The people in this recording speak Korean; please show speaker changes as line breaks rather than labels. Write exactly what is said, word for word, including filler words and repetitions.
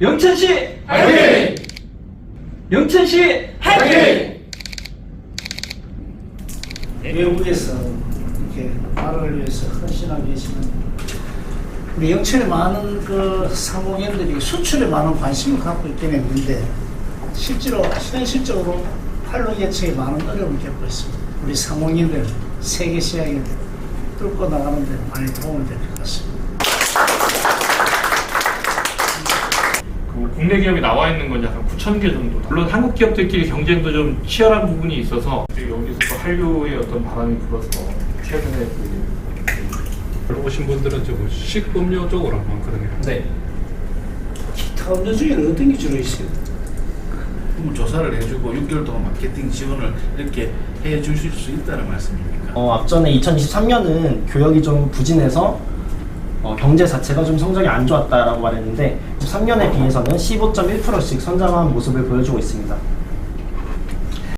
영천시
화이팅!
영천시
화이팅!
외국에서 이렇게 나라를 위해서 헌신하고 계시는 우리 영천의 많은 그 상공인들이 수출에 많은 관심을 갖고 있긴 했는데 실제로 현실적으로 활로 개척에 많은 어려움을 겪고 있습니다. 우리 상공인들 세계 시장에 뚫고 나가는 데 많이 도움이 될 것 같습니다.
그 국내 기업이 나와 있는 건 약 구천 개 정도. 물론 한국 기업들끼리 경쟁도 좀 치열한 부분이 있어서 여기서 또 한류의 어떤 바람이 불어서 최근에 그
오신 분들은 좀 식음료 쪽으로 많거든요.
네.
기타 음료 중에는 어떤 게 주로 있어요?
그럼 조사를 해주고 육 개월 동안 마케팅 지원을 이렇게 해 주실 수 있다는 말씀입니까?
어, 앞전에 이천이십삼 년은 교역이 좀 부진해서 어, 경제 자체가 좀 성적이 안 좋았다라고 말했는데 이십삼 년에 비해서는 십오 점 일 퍼센트씩 성장한 모습을 보여주고 있습니다.